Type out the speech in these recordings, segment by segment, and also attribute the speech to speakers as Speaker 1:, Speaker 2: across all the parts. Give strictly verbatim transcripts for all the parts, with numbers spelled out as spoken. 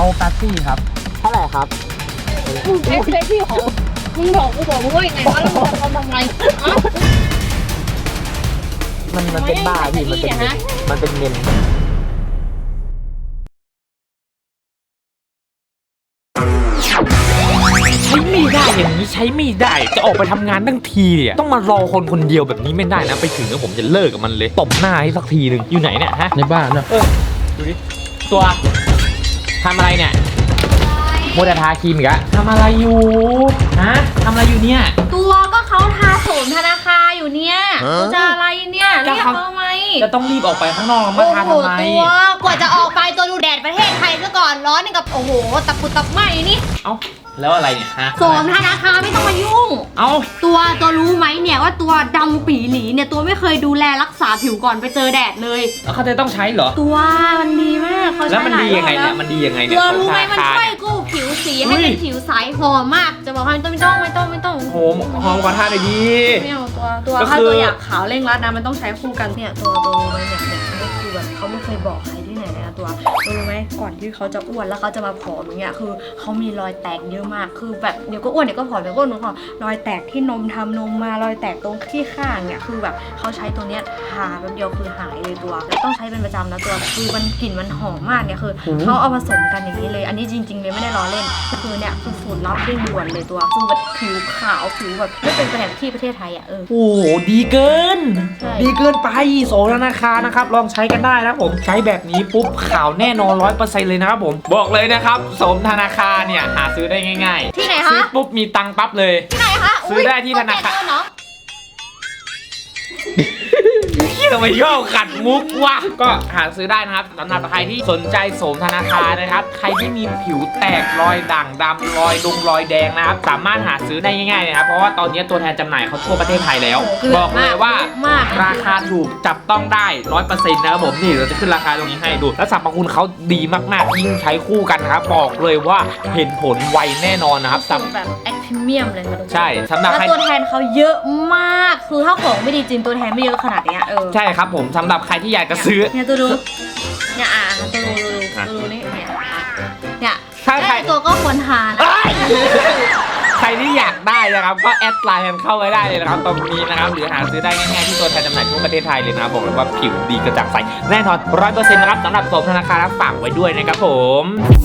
Speaker 1: เอาแป๊บซี่ครับเท่าไหร่ครับ
Speaker 2: เอสเปรสซี่ของมึงบอกกูบอกมึงว่ายังไงวะแล้วมึงจะทำทำไม
Speaker 1: มันมันเป็นบ้าพี่มันเป็นมันเป็นเมนใช้ไม่ได้อย่างนี้ใช้ไม่ได้จะออกไปทำงานทั้งทีอ่ะต้องมารอคนคนเดียวแบบนี้ไม่ได้นะไปถึงแล้วผมจะเลิกกับมันเลยตบหน้าให้สักทีหนึ่งอยู่ไหนเนี่ยฮะในบ้านนะเออดูดิตัวทำอะไรเนี่ยโมเดลทาครีมอีกอะทำอะไรอยู่ฮะทำอะไรอยู่เนี่ย
Speaker 2: ตัวก็เขาทาโสมธนาคารอยู่เนี่ยจะอะไรเนี่ยเรียกเขาไหม
Speaker 1: จะต้องรีบออกไปข้างนอกมาทาทำไม
Speaker 2: ตัวกว่าจะออกไปตัวดูแดดประเทศไทยซะก่อนร้อนนี่กับโอ้โหตะปุตะไหมนี่
Speaker 1: เอ้าแล้วอะไรเนี่ยฮะ
Speaker 2: โสมธนาคารไม่ต้องมายุ่ง
Speaker 1: เอ้า
Speaker 2: ตัวตัวรู้ไหมเนี่ยว่าตัวดำปีหลีเนี่ยตัวไม่เคยดูแลรักษาผิวก่อนไปเจอแดดเลย
Speaker 1: แล้วเขาจะต้องใช้เหรอ
Speaker 2: ตัวมันดีมากเขาใช้
Speaker 1: แล้วมันดียังไงเนี่ยมันดียังไงเนี่ย
Speaker 2: ตัวรู้ไหมมันช่วยกู้ผิวสีให้เป็นผิวใสหอมมากจะบอกให้ไม่ต้องไม่ต้องไม่ต้องไม่ต้อง
Speaker 1: โหมหอมกว่าท่าเลยดี
Speaker 2: ไม่เอาตัวตัวถ้าตัวอยากขาวเร่งรัดนะมันต้องใช้คู่กันเนี่ยตัวตัวรู้ไหมเนี่ยเนี่ยนี่คือแบบเขาไม่เคยบอกใครที่ไหนเลยนะตัวรู้ไหมก่อนที่เขาจะอ้วนแล้วเขาจะมาผอมอย่างเงี้ยคือเขามีรอยแตกเยอะมากคือแบบเดี๋ยวก็อ้วนเดี๋ยวก็ผอมเดี๋ยวก็อ้วนเดี๋ยวก็รอยแตกที่นมทำนมมารอยแตกตรงที่ข้างเนี่ยคือแบบเขาใช้ตัวเนี้ยทาแป๊บเดียวคือหายเลยตัวแล้วต้องใช้เป็นประจำนะตัวคือมันกลิ่นมันหอมมากเนี่ยคือเขาเอาผสมกันอย่างนี้เลยอันนี้จริงๆเลยไม่ได้ล้อเล่นคือเนี่ยคือสูตรลับเร่งด่วนเลยตัวคือแบบผิวขาวผิวแบบไม่เป็นแผลที่ประเทศไทยอ่ะเออ
Speaker 1: โอ้โหดีเกินดีเกินไปโสมธนาคารนะครับลองใช้กันได้นะผมใช้แบบนี้ปุ๊บขาวแน่นอนร้อยเปอร์เซ็นต์เลยนะครับผมบอกเลยนะครับโสมธนาคารเนี่ยหาซื้อได้ง่ายๆ
Speaker 2: ที่ไหนคะ
Speaker 1: ซื้อปุ๊บมีตังค์ปั๊บเลย
Speaker 2: ที่ไหนคะ
Speaker 1: ซื้อได้ที่ธนาคารเนาะทำไมย่อขัดมุกวะก็หาซื้อได้นะครับสำหรับใครที่สนใจโสมธนาคารนะครับใครที่มีผิวแตกรอยด่างดำรอยดงรอยแดงนะครับสามารถหาซื้อได้ง่ายๆนะครับเพราะว่าตอนนี้ตัวแทนจำหน่ายเขาทั่วประเทศไทยแล้วบอกเลยว่าราคาถูกจับต้องได้ร้อยเปอร์เซ็นต์นะครับผมนี่เราจะขึ้นราคาตรงนี้ให้ดูและสรรพคุณเขาดีมากๆยิ่งใช้คู่กันนะครับบอกเลยว่าเห็นผลไวแน่นอนนะครับ
Speaker 2: แบบแอคทีเมียมเลยนะ
Speaker 1: ใช่สำหรับใคร
Speaker 2: ตัวแทนเขาเยอะมากคือถ้าของไม่ดีจริงตัวแทนไม่เยอะขนาดนี้เออ
Speaker 1: ใช่ครับผมสำหรับใครที่อยากจะซื้อ
Speaker 2: เนี่ยตัวดูเนี่ยอ่ะตัวดูตัวดูนี่เนี่ยเนี่ยถ้าใครตัวก็ควรทาน
Speaker 1: ใครที่อยากได้นะครับก็แอดไลน์กันเข้าไว้ได้เลยนะครับตรงนี้นะครับหรือหาซื้อได้ง่ายๆที่ตัวแทนจำหน่ายทั่วประเทศไทยเลยนะครับบอกเลยว่าผิวดีกระจ่างใสแน่นอนร้อยเปอร์เซ็นต์นะครับสำหรับโสมธนาคารฝากไว้ด้วยนะครับผม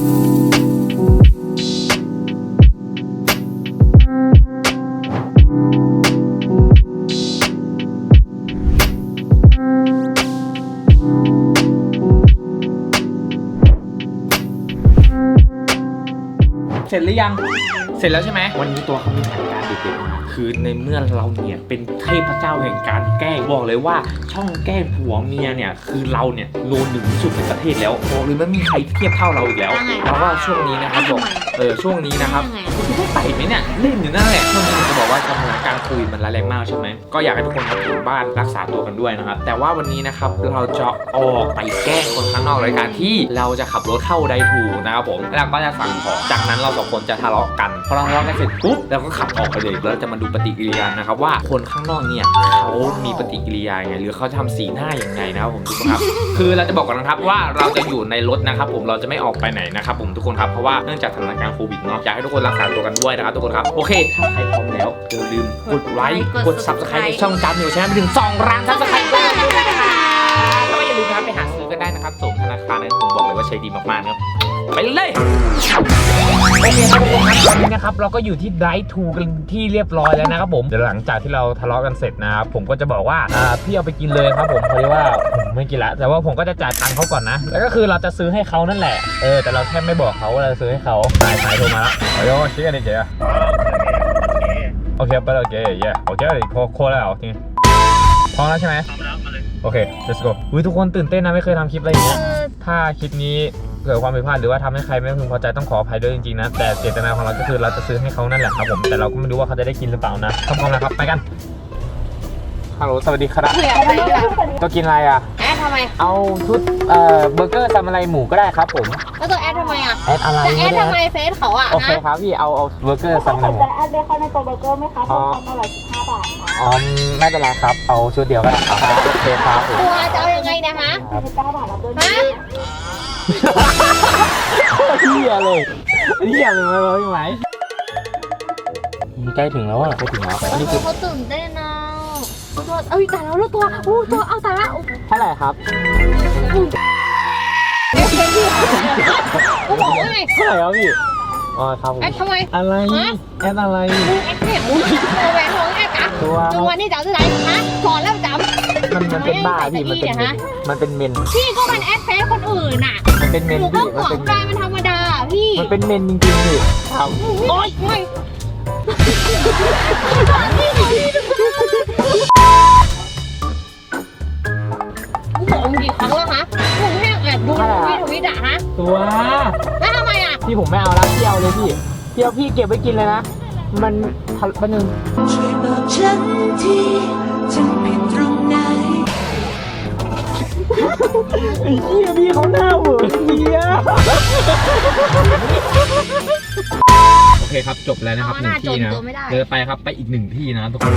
Speaker 1: เสร็จหรือยังเสร็จแล้วใช่ไหมวันนี้ตัวเขามีแผนการเด็ดๆคือในเมื่อเราเนี่ยเป็นเทพเจ้าแห่งการแกล้งบอกเลยว่าช่องแกล้งผัวเมียเนี่ยคือเราเนี่ยโนหนึ่งที่สุดในประเทศแล้วบอกเลยไม่มีใครเทียบเท่าเราอีกแล้วเพราะว่าช่วงนี้นะครับบอกเออช่วงนี้นะครับคุณได้ไปไหมเนี่ยเล่นอยู่นั่นแหละช่วงนี้จะบอกว่าสถานการณ์โควิดมันร้ายแรงมากใช่ไหมก็อยากให้ทุกคนอยู่บ้านรักษาตัวกันด้วยนะครับแต่ว่าวันนี้นะครับเราจะออกไปแกล้งคนข้างนอกรายการที่เราจะขับรถเข้าไดทูนะครับผมแล้วก็จะสั่งของจากนั้นเราสองคนจะทะเลาะกันพอเราทะเลาะกันเสร็จปุ๊บเราก็ขับออกไปเลยแล้วจะมาดูปฏิกิริยานะครับว่าคนข้างนอกเนี่ยเขามีปฏิกิริยาไงหรือเขาทำสีหน้าอย่างไงนะครับผมทุกคนครับคือเราจะบอกกันนะครับว่าเราจะอยู่ในรถนะครับผมเราจะไม่ออกไปไหนนะครับผมทุกคนครับเพราะว่าเนื่องจากสถานการณ์โควิดเนาะอยากให้ทุกคนรักษาตัวกันด้วยนะครับทุกคนครับโอเคถ้าใครพร้อมแล้วอย่าลืมกดไลค์กด ซับสไครบ์ ในช่องจำอยู่ใช่ไหมไปถึงสองล้านซับสไครบ์ด้วยนะคะแล้วก็อย่าลืมนะครับไปหาซื้อกันได้นะครับโสมธนาคารนะผมบอกเลยว่าใช้ดีมากๆครับไปเลยโอเคครับทุกคนครับตอนนี้นะครับเราก็อยู่ที่ไดทูกันที่เรียบร้อยแล้วนะครับผมเดี๋ยวหลังจากที่เราทะเลาะกันเสร็จนะครับผมก็จะบอกว่าอ่าพี่เอาไปกินเลยครับผมเพราะว่าผมไม่กินละแต่ว่าผมก็จะจ่ายตังค์เขาก่อนนะแล้วก็คือเราจะซื้อให้เขานั่นแหละเออแต่เราแค่ไม่บอกเขาว่าเราซื้อให้เขาสายสายโทรมาแล้วโอ้ยชิคกี้พายเจ๊โอเคไปแล้วโอเคเย่โอเคโคโคแล้วจริงพร้อมแล้วใช่ไหมโอเค let's go อุ้ยทุกคนตื่นเต้นนะไม่เคยทำคลิปอะไรอย่างเงี้ยถ้าคลิปนี้เกิดความผิดพลาดหรือว่าทำให้ใครไม่พึงพอใจต้องขออภัยด้วยจริงๆนะแต่เจตนาของเราก็คือเราจะซื้อให้เขานั่นแหละครับผมแต่เราก็ไม่รู้ว่าเขาจะได้กินหรือเปล่านะพร้อมๆนะครับไปกันฮัลโหลสวัสดีครับตัวกินอะไรอ่ะ
Speaker 2: แอดทำไม
Speaker 1: เอาชุดเอ่อเบอร์เกอร์ซามูไรหมูก็ได้ครับผม
Speaker 2: แล้วตัวแอดทำไมอ่ะ
Speaker 1: แอดอะไร
Speaker 2: แอดทำไมเฟซเขาอ่ะ
Speaker 1: โอเคครับพี่เอาเอาเบอร์เกอร์ซามูไรหมู
Speaker 3: จะแอดเบคอนในตัวเบอร์เกอร์ไหมคะตัวละร้อยสิบห้าบาทค่ะ
Speaker 1: อ๋อไม่เป็นไรครับเอาชุดเดียวก็ได้ครับโอเคครับ
Speaker 2: ตัวจะเอายังไงนะคะ
Speaker 3: สิบเก้าบาทรับด้วย
Speaker 1: ฮะยเลยเหี้ยเลยมาเลยไหมใกล้ถึงแล้วอ่ะใกล้ถึงแล้วอันนี้คือ
Speaker 2: เขาตื่นเต้นนะตัวเอ้ยตายแล้วแล้วตัวโอ้ตัวเอาตายแล้ว
Speaker 1: เท่าไหร่ครับ
Speaker 2: กูบอกว่าไง
Speaker 1: เท่าไหร่ครับพี่อ๋อครับผม
Speaker 2: แอดทำไม
Speaker 1: อะไรแอดอะไร
Speaker 2: แอดเห็นมึงตัวแหวนของแอดจ้ะ
Speaker 1: ตัว
Speaker 2: จังวันนี้จ๋าจะไหนฮะสอนแล้วจ๋า
Speaker 1: มันมันเป็นบ้าพี่มันเป็นเมนมันเป็นเมน
Speaker 2: พี่ก็มันแอดเฟซคนอื่นน่ะ
Speaker 1: มันเป็นเมน
Speaker 2: หนูก็
Speaker 1: พี่
Speaker 2: ห
Speaker 1: มัน
Speaker 2: ว
Speaker 1: เป็
Speaker 2: ง
Speaker 1: น
Speaker 2: ใจมันธรรมดาพี่
Speaker 1: มันเป็นเมนจริงๆพี่ครับ
Speaker 2: โอ๊ยไม่กูบอกมึงกี่ครั้งแล้วฮะมึงแค่แอบดูพี่ทวิตอะฮะ
Speaker 1: ตัว
Speaker 2: แล้วทำไมอะ
Speaker 1: พี่ผมไม่เอาละพี่เอาเลยพี่พี่เอาพี่เก็บไว้กินเลยนะมันทันปันหนึ่ง
Speaker 4: ช่วยบอกฉันทีฉันผิดตรงไหน
Speaker 1: ไอ้เหี้ยพี่เขาหน้าเหวอเหี้ยโอเคครับจบแล้วนะครับหนึ่งที่นะเดินไปครับไปอีกหนึ่งที่นะทุกคน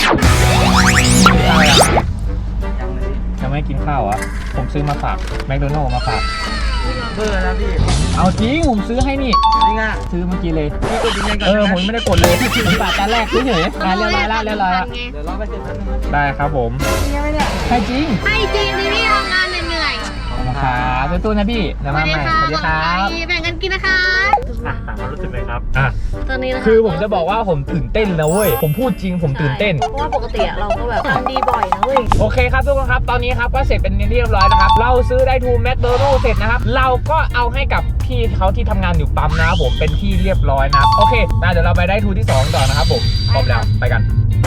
Speaker 1: ยังไม่กินข้าวอ่ะผมซื้อมาฝากแมคโดนัลด์มาฝากเบอร์นะพี่เอาจริงผมซื้อให้นี่จริงอ่ะซื้อเมื่อกี้เลยพี่กดยังไงกันเออผมไม่ได้กดเลยผมฝากจานแรกเฉยๆอ่ะเรียบร้อยแล้วเรียบร้อยแล้วเดี๋ยวรอไปเสร็จแป๊บนึงได้ครับผมใช่จริง
Speaker 2: ให้จริงดิพี่ทำงานเหนื่อย
Speaker 1: ครับตู้ๆนะพี่เดี๋ยวมาใหม่สวัสดีครับ
Speaker 2: แบ่งกันกินนะคะ
Speaker 1: อ่ะถามความรู้สึกเลยครับอ่ะ
Speaker 2: ตอนนี้นะคะ
Speaker 1: คือผมจะบอกว่าผมตื่นเต้นนะเว้ยผมพูดจริงผมตื่นเต้น
Speaker 2: เพราะว่าปกติเราก็แบบทำดีบ่อยนะเว้ย
Speaker 1: โอเคครับทุกคนครับตอนนี้ครับก็เสร็จเป็นที่เรียบร้อยนะครับเราซื้อได้ทูแมคโดนัลด์เสร็จนะครับเราก็เอาให้กับพี่เขาที่ทำงานอยู่ปั๊มนะครับผมเป็นที่เรียบร้อยนะครับโอเคนะเดี๋ยวเราไปได้ทูที่สองต่อนะครับผมพร้อมแล้วไปกัน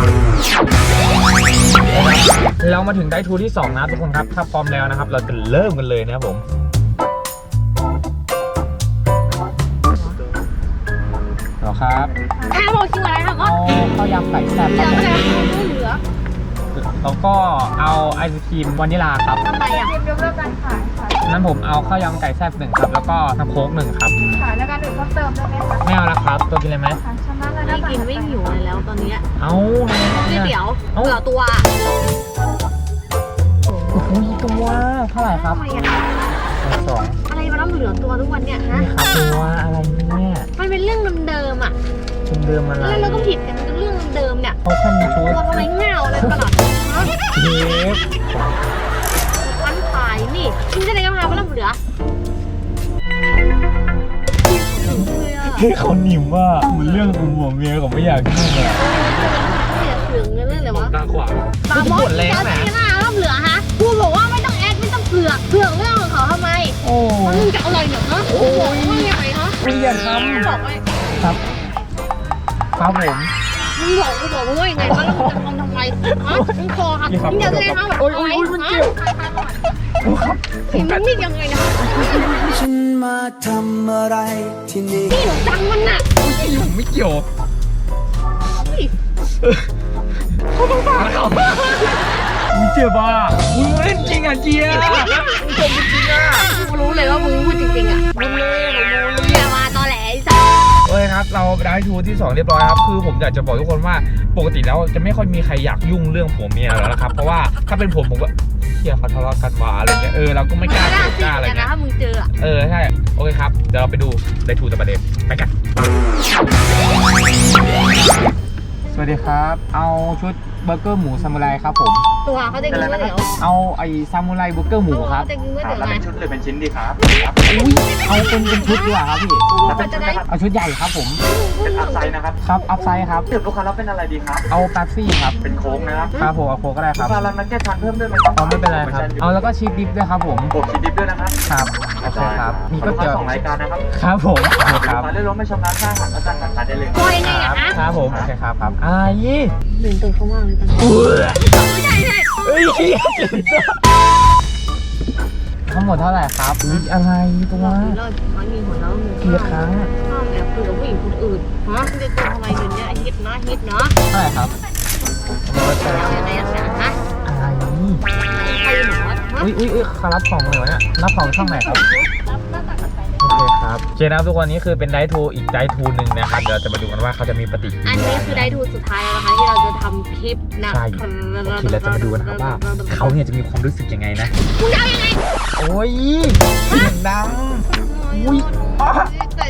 Speaker 1: เรามาถึงได้ทูที่สองนะทุกคนครับถ้าพร้อมแล้วนะครับเราจะเริ่มกันเลยนะครับผมเหรอครับ
Speaker 2: ถ้าบอกคิวอะไรคะก็
Speaker 1: เอาข้าวยำไก่แซ่บ
Speaker 2: เห
Speaker 1: ค
Speaker 2: ลื
Speaker 1: รับ
Speaker 2: อ
Speaker 1: ผม
Speaker 2: ไม่เหลือ
Speaker 1: แล้วก็เอาไอศครีมวานิลาครับ
Speaker 2: ทำไมอ่ะ
Speaker 3: ยกเลิกการขายค่ะ
Speaker 1: นั้นผมเอาข้าวยำไก่แซ่บหนึ่งครับแล้วก็น้ำโค้กหนึ่งครับ
Speaker 3: ขายแล้วการอื่นเพิ่มเติมได้ไหมคะ
Speaker 1: ไม่เอาละครับตัวกินเลยไหม
Speaker 3: ทางชำระแล้ว
Speaker 2: ไม่กินไม่หิวเลยแล้วตอนนี้
Speaker 1: เอา
Speaker 2: ก๋วยเตี๋ยวเหลือตัว
Speaker 1: โอ้โหตัวเท่าไหร่ครับ
Speaker 2: ทำไมอ่ะ
Speaker 1: สอง
Speaker 2: อะไรมาต้องเหลือตัวทุกวันเนี่ยฮะ
Speaker 1: นี่ครับตัวอะไรเนี่ย
Speaker 2: มันเป็นเรื่องเดิมๆอ่ะ
Speaker 1: คุณเดิมอะไร
Speaker 2: แล้วเราก็ผิดกันเรื่องเดิมเนี่ย
Speaker 1: เขาแค่มีชุด
Speaker 2: ตัวทำไมเงาอะไรตลอดฮะ
Speaker 1: เทป
Speaker 2: วันขายนี่คุณจะได้กำไรมาแล้วเหลือ
Speaker 1: ที่เขาหนิมว่าเหมือนเรื่องของหัวเมียผมไม่อยากยุ่งอะ
Speaker 2: ไม่อยากถึงเรื่องเลยวะ
Speaker 1: ตาขวาง
Speaker 2: ตามอสแล้นะหน้าแล้วเหลือฮะกูบอกว่าไม่ต้องแอดไม่ต้องเผือกเผือกเรื่องของเขาทำไม
Speaker 1: โอ้
Speaker 2: มึงจะเอาอะไรเนี่ยฮะโอ้ยไม่ใหญ่ฮะ
Speaker 1: ไม่อยากท
Speaker 2: บอกไว้
Speaker 1: ำครับครับผม
Speaker 2: มึงบอกกูบอกมึงว่ายังไงวะแล้วมึงจะทำทำไมฮะมึงคอหักมึงจะแสดงว่าแบบอะไรฮะเห็นมันนี่ยังไงนะ
Speaker 4: ฉันมาทำอะไรที่นี่
Speaker 2: นี่หนูจังมันน่ะ
Speaker 1: ผมไม่เกี่ยว มึงเจ็บอ่ะมึงเล่นจริงอ่ะเจียมึงจบจริงอ่ะ
Speaker 2: กูรู้เลยว่ามึงพูดจริงๆอ่ะ
Speaker 1: มึงเล่นมึงเล่น
Speaker 2: อย่ามาตอแหลไอ้สัส
Speaker 1: โอเคครับเราได้ทูที่สองเรียบร้อยครับคือผมอยากจะบอกทุกคนว่าปกติแล้วจะไม่ค่อยมีใครอยากยุ่งเรื่องผัวเมียแล้วนะครับเพราะว่าถ้าเป็นผมผมก็เฮียเขาทะเลาะกันว่าอะไรเงี้ยเออเราก็ไม่กล้า
Speaker 2: น่า
Speaker 1: เจ
Speaker 2: สิ
Speaker 1: อกล้าอะไร
Speaker 2: กันนะ
Speaker 1: เงี้ย
Speaker 2: ถ้ามึงเจออ่ะ
Speaker 1: เออใช่โอเคครับเดี๋ยวเราไปดูได้ทูต่อประเด็นไปกันสวัสดีครับเอาชุดเบอร์เกอร์หมูซามูไรครับผม
Speaker 2: ตัวเขาจะกินก๋วยเตี๋ยว
Speaker 1: เอาไอ้ซามูไรเบอร์เกอร์หมูครับ
Speaker 2: เขาจะกินก๋วยเตี๋ยว
Speaker 5: แล้ว
Speaker 2: ไง
Speaker 5: เป็นชุดหรือเป็นชิ้นดีครับ
Speaker 1: อุ้ยเอาเป็นเป็นชุดดีกว่าครับพี่
Speaker 2: เขาจะได้
Speaker 1: เอาชุดใหญ่ครับผม
Speaker 5: เป็นอัพไซด์นะครับ
Speaker 1: ครับอัพไซด์ครับ
Speaker 5: ดื่มลูกค้าแล้วเป็นอะไรดีครับ
Speaker 1: เอาแป๊บซี่ครับ
Speaker 5: เป็นโค้งนะครับ
Speaker 1: ครับผมเอาโค้กก็ได้ค
Speaker 5: ลู
Speaker 1: รับ
Speaker 5: กค้ารับนักแก้ทานเพิ่มด้วยไหมครับ
Speaker 1: เอาไม่เป็นไรครับเอาแล้วก็ชีสดิฟด้วยครับผม
Speaker 5: บวกชีสดิฟด้วยนะครับ
Speaker 1: ครับโอเคครับมีก๋วย
Speaker 5: ลูก
Speaker 1: เตี๋ยว
Speaker 5: ค้าสองรายการนะครับ
Speaker 1: ครับผมโอเคค
Speaker 5: ลู
Speaker 1: รับ
Speaker 5: กค้าเลือกรถไม่ชำระค่าอาหารและจ่ายผ่านการได้เลย
Speaker 2: ก็ยังไง
Speaker 1: ค
Speaker 2: อะ
Speaker 1: รับ
Speaker 2: ฮะ
Speaker 1: ครับผมโอเคครับครับอ่ายี่
Speaker 2: ตื่นตื่นเขามากเลยตอนนี้ไม่ใช่ใช่
Speaker 1: เอ้ยทั้งหมดเท่าไหร่ครับอุ๊ยอะไรตัว
Speaker 2: เราเลิกเขามีหัวเราะมึง
Speaker 1: กี่ครั้ง
Speaker 2: ห้ามแอบคุยกับผู้หญิงคนอื่นฮะมึงจะตัวทำไมเดี๋ยวนี้ฮิตนะฮิตเนาะ
Speaker 1: เท่าไหร่ครับร้อยแปดสิบ
Speaker 2: อะไรอย่างเงี้ยฮะ
Speaker 1: อะไร
Speaker 2: ใครหนูวะฮะ
Speaker 1: อุ้ยอุ้ยอุ้ยเขารับของเลยวะเนี่ยรับของช่องไหนครับ
Speaker 2: รับหน้าตากันไปเลย
Speaker 1: โอเคครับเจนะครับทุกวันนี้คือเป็นไดทูอีกไดทูหนึ่งนะครับเดี๋ยวเราจะมาดูกันว่าเขาจะมีปฏิกิริ
Speaker 2: อัน
Speaker 1: ยา
Speaker 2: นี้คือได้ทูสุดท้ายแล้วนะคะที่เราจะทำคลิปนะ
Speaker 1: ใช่โอเคเราจะมาดูกันนะครับว่าเขาเนี่ยจะมีความรู้สึกยังไงนะ
Speaker 2: มึงจะเอายังไง
Speaker 1: โอ้ยเสียงดังอุ้ย
Speaker 2: แต่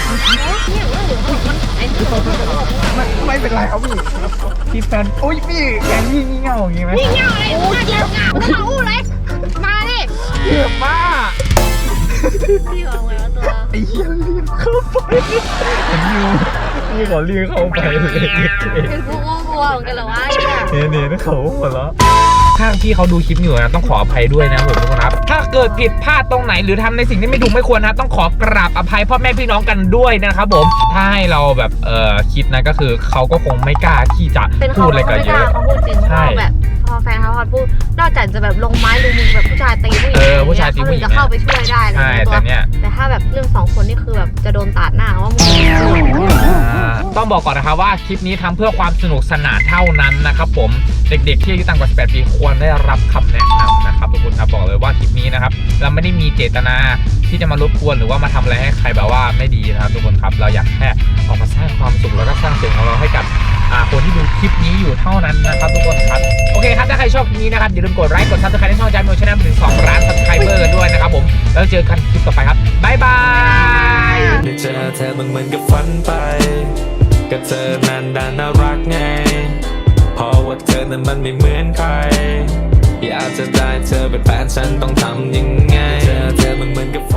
Speaker 1: ไม่ไม่เป็นไรครับพี่พี่แฟนโอ้ยพี่แกงยี่งี่เง่าอย่างงี้ไหม
Speaker 2: นี่เงาอะไรโอ้ยเงาเงาไม่เอาอู้เลยมาดิ
Speaker 1: เยอะมาก
Speaker 2: พี่บอกไงว่าตัว
Speaker 1: ไอ้เหี้ยรีบเข้าไปเห็นอยู่พี่ขอรีบเข้าไปเลย
Speaker 2: เป็นกูก็กลัวเหมือนกันเหรอวะ
Speaker 1: เนี่ยเนี่ยเขาหัวเราะถ้าพี่เขาดูคลิปอยู่นะต้องขออภัยด้วยนะผมทุกคนครับถ้าเกิดผิดพลาดตรงไหนหรือทำในสิ่งที่ไม่ถูกไม่ควรนะต้องขอกราบอภัยพ่อแม่พี่น้องกันด้วยนะครับผมถ้าให้เราแบบเอ่อคิดนะก็คือเขาก็คงไม่กล้าที่จะ
Speaker 2: เป็น
Speaker 1: พู
Speaker 2: เขา
Speaker 1: ดอะไรกันเยอะ
Speaker 2: เขาพูดจริง
Speaker 1: ใช่
Speaker 2: เขาแบบพอแฟนเขาพอพูดนอกจากจะแบบลงไม้ลงมือแบบผู้ชายตีผู้หญิง
Speaker 1: เออผู้ชายตีผู้หญิง
Speaker 2: เขาถึงจะเข้าไปช่วยได้เลย
Speaker 1: ใช่แต่เนี่ย
Speaker 2: แต่ถ้าแบบเรื่องสองคนนี่คือแบบจะโดนตัดหน้าว่ามึง
Speaker 1: อ่าต้องบอกก่อนนะครับว่าคลิปนี้ทำเพื่อความสนุกสนานเท่านั้นนะครับผมเด็กๆที่อายุต่ำกว่าสิบแปดปีควรได้รับคำแนะนำนะครับทุกคนครับบอกเลยว่าคลิปนี้นะครับเราไม่ได้มีเจตนาที่จะมารบกวนหรือว่ามาทำอะไรให้ใครแบบว่าไม่ดีนะครับทุกคนครับเราอยากแค่ออกมาสร้างความสุขแล้วก็สร้างเสียงของเราให้กับอ่าคนที่ดูคลิปนี้อยู่เท่านั้นนะครับทุกคนครับโอเคครับถ้าใครชอบคลิปนี้นะครับอย่าลืมกดไลค์กดซับสไครต์ในช่องจานมิวชาแนลถึงสองล้านซับสไครเบอร์กันด้วยนะครับผมแล้วเจอกันคลิปต่อไปครับบ๊ายบาย
Speaker 6: ได้เจอเธอมันเหมือนกับฝันไปก็เธอนั้นดันน่ารักไงเพราะว่าเธอนั้นมันไม่เหมือนใครอยากจะได้เธอเป็นแฟนฉันต้องทำยังไงเจอเธอมันเหมือนกับฝัน